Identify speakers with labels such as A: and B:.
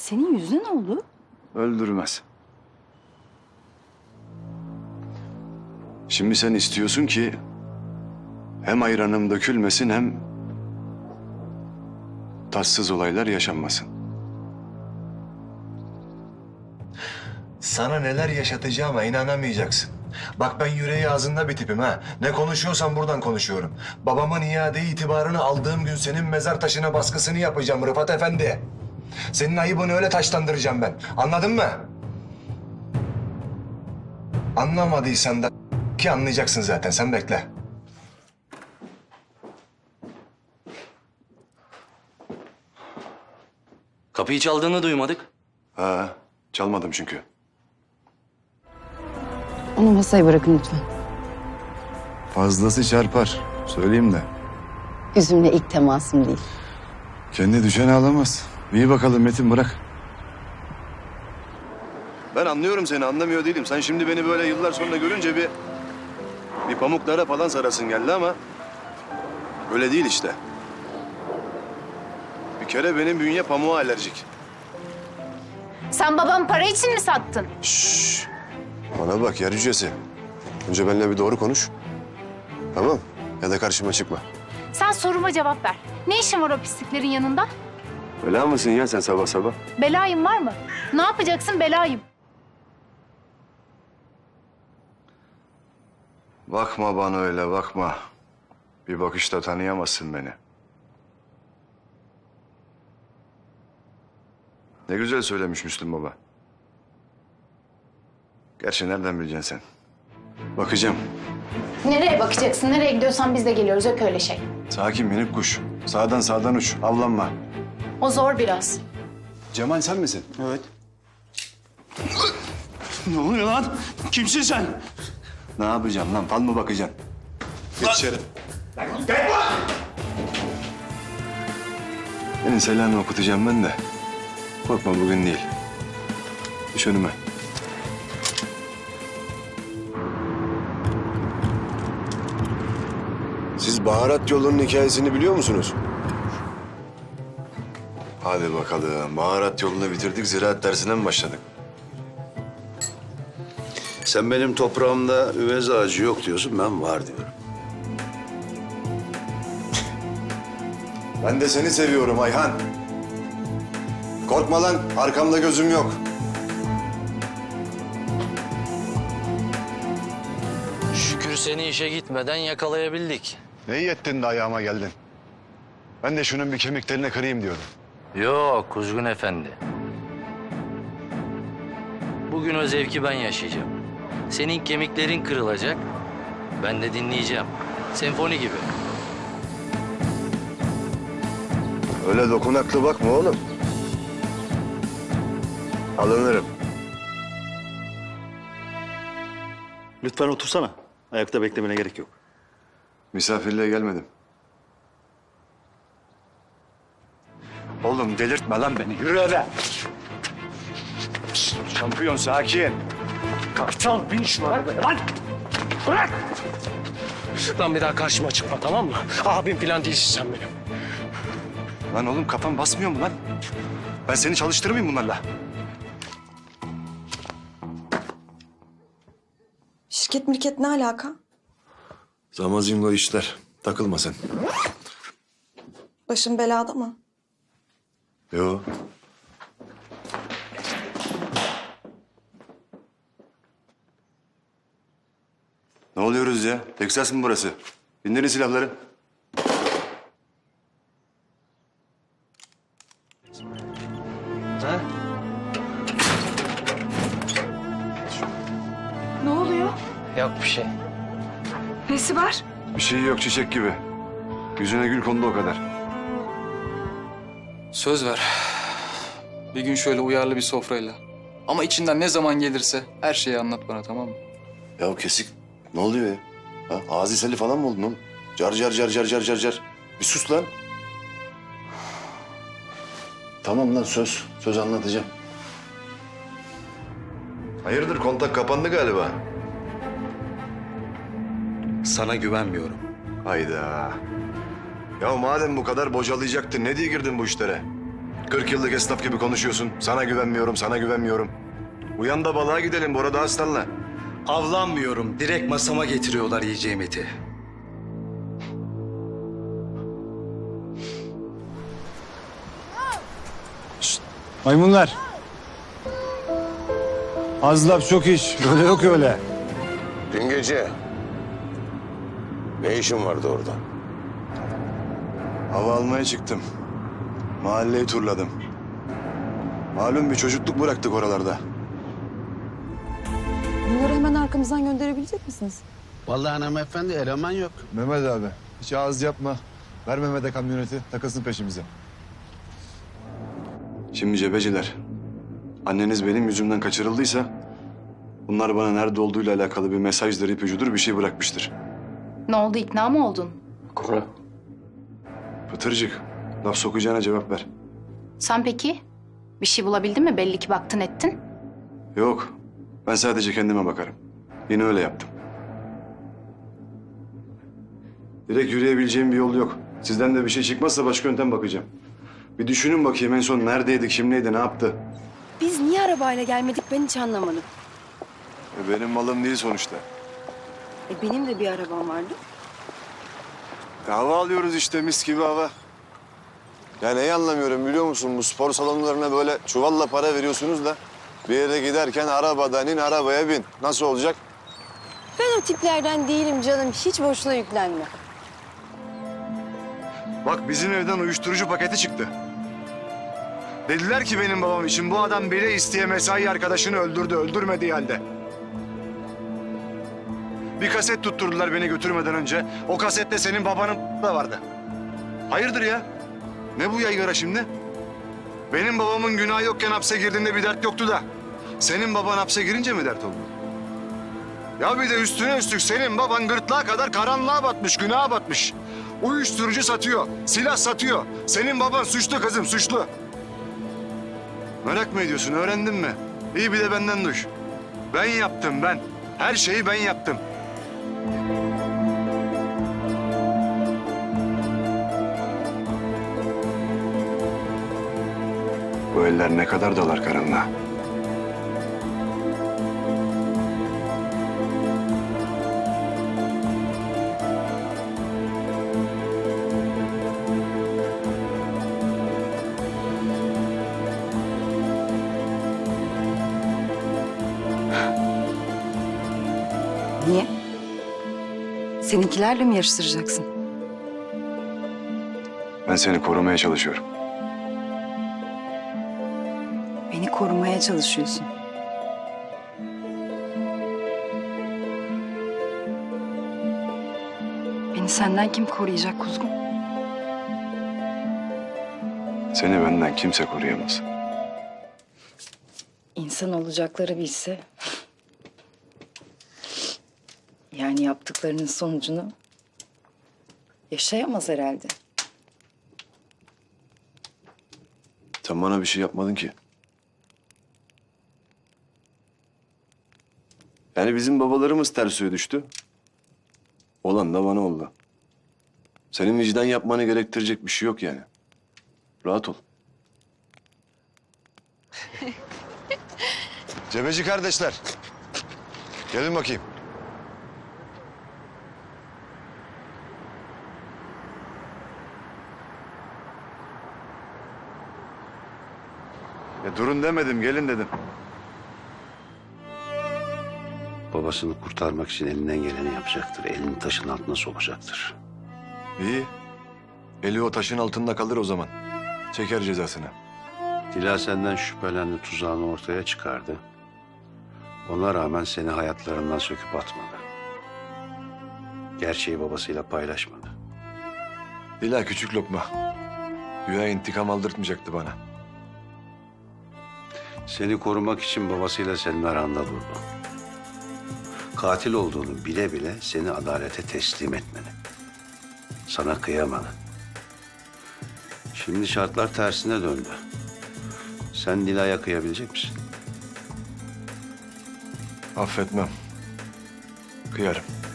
A: Senin yüzüne ne oldu?
B: Öldürmez. Şimdi sen istiyorsun ki hem ayranım dökülmesin hem tatsız olaylar yaşanmasın. Sana neler yaşatacağıma inanamayacaksın. Bak ben yüreği ağzında bir tipim ha. Ne konuşuyorsam buradan konuşuyorum. Babamın iade itibarını aldığım gün senin mezar taşına baskısını yapacağım Rıfat Efendi. Senin ayıbını öyle taşlandıracağım ben. Anladın mı? Anlamadıysan da ki anlayacaksın zaten. Sen bekle.
C: Kapıyı çaldığını duymadık.
B: Ha, çalmadım çünkü.
A: Onu masaya bırakın lütfen.
B: Fazlası çarpar. Söyleyeyim de.
A: Üzümle ilk temasım değil.
B: Kendi düşen ağlamaz. İyi bakalım Metin, bırak. Ben anlıyorum seni, anlamıyor değilim. Sen şimdi beni böyle yıllar sonra görünce bir pamuklara falan sarasın geldi ama öyle değil işte. Bir kere benim bünye pamuğa alerjik.
D: Sen babamı para için mi sattın?
B: Şşş. Bana bak yer cücesi. Önce benimle bir doğru konuş. Tamam. Ya da karşıma çıkma.
D: Sen soruma cevap ver. Ne işin var o pisliklerin yanında?
B: Bela mısın ya sen sabah sabah?
D: Belayım var mı? Ne yapacaksın belayım?
B: Bakma bana öyle, bakma. Bir bakışta tanıyamazsın beni. Ne güzel söylemiş Müslüm Baba. Gerçi nereden bileceksin sen? Bakacağım.
D: Nereye bakacaksın? Nereye gidiyorsan biz de geliyoruz. Yok öyle şey.
B: Sakin minik kuş. Sağdan uç. Avlanma.
D: O zor biraz.
B: Cemal sen misin?
C: Evet. Ne oluyor lan? Kimsin sen?
B: Ne yapacağım lan? Fal mı bakacaksın? Geç içeri. Senin selamını okutacağım ben de. Korkma bugün değil. Düş önüme. Siz baharat yolunun hikayesini biliyor musunuz? Hadi bakalım. Baharat yolunu bitirdik. Ziraat dersine mi başladık?
E: Sen benim toprağımda üvez ağacı yok diyorsun, ben var diyorum.
B: Ben de seni seviyorum Ayhan. Korkma lan. Arkamda gözüm yok.
C: Şükür seni işe gitmeden yakalayabildik.
B: Ne iyi ettin de ayağıma geldin. Ben de şunun bir kemiklerini kırayım diyordum.
C: Yok Kuzgun Efendi. Bugün o zevki ben yaşayacağım. Senin kemiklerin kırılacak. Ben de dinleyeceğim. Senfoni gibi.
B: Öyle dokunaklı bakma oğlum. Alınırım.
F: Lütfen otursana. Ayakta beklemene gerek yok.
B: Misafirliğe gelmedim. Oğlum delirtme lan beni. Yürü eve. Şşt, şampiyon sakin.
G: Kartal bin şu arabaya lan! Bırak! Lan bir daha karşıma çıkma tamam mı? Abim falan değilsin sen benim.
B: Lan oğlum kafan basmıyor mu lan? Ben seni çalıştırmayayım bunlarla.
H: Şirket mirket ne alaka?
B: Zamazingo işler. Takılma sen.
H: Başın belada mı?
B: Yo. Ne oluyoruz ya? Teksas mı burası? İndirin silahları.
G: Ha?
H: Ne oluyor?
G: Yok bir şey.
H: Nesi var?
B: Bir şey yok çiçek gibi. Yüzüne gül kondu o kadar.
I: Söz ver. Bir gün şöyle uyarlı bir sofrayla. Ama içinden ne zaman gelirse her şeyi anlat bana, tamam mı?
B: Ya kesik. Ne oluyor ya? Ha? Ağzı seli falan mı oldun oğlum? Car car car car car car car. Bir sus lan. Tamam lan söz. Söz anlatacağım. Hayırdır kontak kapandı galiba.
E: Sana güvenmiyorum.
B: Hayda. Ya madem bu kadar bocalayacaktın ne diye girdin bu işlere? 40 yıllık esnaf gibi konuşuyorsun. Sana güvenmiyorum, sana güvenmiyorum. Uyan da balığa gidelim Bora da Aslan'la.
J: Avlanmıyorum. Direkt masama getiriyorlar yiyeceğim eti.
K: Maymunlar. Az laf çok iş. Öyle yok öyle.
E: Dün gece ne işin vardı orada?
B: Hava almaya çıktım. Mahalleyi turladım. Malum bir çocukluk bıraktık oralarda.
A: Bunları hemen arkamızdan gönderebilecek misiniz?
J: Vallahi hanımefendi eleman yok.
K: Mehmet abi hiç ağız yapma. Ver Mehmet'e kamyoneti takılsın peşimize.
B: Şimdi cebeciler, anneniz benim yüzümden kaçırıldıysa... ...bunlar bana nerede olduğuyla alakalı bir mesajdır, ipucudur bir şey bırakmıştır.
D: Ne oldu, ikna mı oldun?
I: Kora.
B: Pıtırcık, laf sokacağına cevap ver.
D: Sen peki? Bir şey bulabildin mi? Belli ki baktın ettin.
B: Yok, ben sadece kendime bakarım. Yine öyle yaptım. Direkt yürüyebileceğim bir yol yok. Sizden de bir şey çıkmazsa başka yöntem bakacağım. Bir düşünün bakayım en son neredeydi, kimleydi, ne yaptı?
H: Biz niye arabayla gelmedik ben hiç anlamadım.
B: Benim malım değil sonuçta.
H: Benim de bir arabam vardı.
B: Hava alıyoruz işte, mis gibi hava.
E: Ya neyi anlamıyorum biliyor musun? Bu spor salonlarına böyle çuvalla para veriyorsunuz da... ...bir yere giderken arabadan in, arabaya bin. Nasıl olacak?
H: Ben o tiplerden değilim canım. Hiç boşuna yüklenme.
B: Bak bizim evden uyuşturucu paketi çıktı. Dediler ki benim babam için bu adam bile isteye mesai arkadaşını öldürdü, öldürmediği halde. Bir kaset tutturdular beni götürmeden önce. O kasette senin babanın da vardı. Hayırdır ya? Ne bu yaygara şimdi? Benim babamın günahı yokken hapse girdiğinde bir dert yoktu da... ...senin baban hapse girince mi dert oldu? Ya bir de üstüne üstlük senin baban gırtlağa kadar karanlığa batmış, günaha batmış. Uyuşturucu satıyor, silah satıyor. Senin baban suçlu kızım, suçlu. Merak mı ediyorsun, öğrendin mi? İyi bir de benden duy. Ben yaptım, ben. Her şeyi ben yaptım. Bu eller ne kadar dalar karanlığa.
A: Niye? Seninkilerle mi yarıştıracaksın?
B: Ben seni korumaya çalışıyorum.
A: Beni korumaya çalışıyorsun. Beni senden kim koruyacak kuzgun?
B: Seni benden kimse koruyamaz.
A: İnsan olacakları bilse... Yani yaptıklarının sonucunu yaşayamaz herhalde.
B: Sen bana bir şey yapmadın ki. Yani bizim babalarımız ters suya düştü. Olan da bana oldu. Senin vicdan yapmanı gerektirecek bir şey yok yani. Rahat ol. Cebeci kardeşler. Gelin bakayım. Ya durun demedim, gelin dedim.
E: Babasını kurtarmak için elinden geleni yapacaktır. Elini taşın altına sokacaktır.
B: İyi. Eli o taşın altında kalır o zaman. Çeker cezasını.
E: Dila senden şüphelendi, tuzağını ortaya çıkardı. Ona rağmen seni hayatlarından söküp atmadı. Gerçeği babasıyla paylaşmadı.
B: Dila küçük lokma. Güya intikam aldırtmayacaktı bana.
E: Seni korumak için babasıyla senin aranda durdu. Katil olduğunu bile bile seni adalete teslim etmedi. Sana kıyamadı. Şimdi şartlar tersine döndü. Sen Dila'ya kıyabilecek misin?
B: Affetmem. Kıyarım.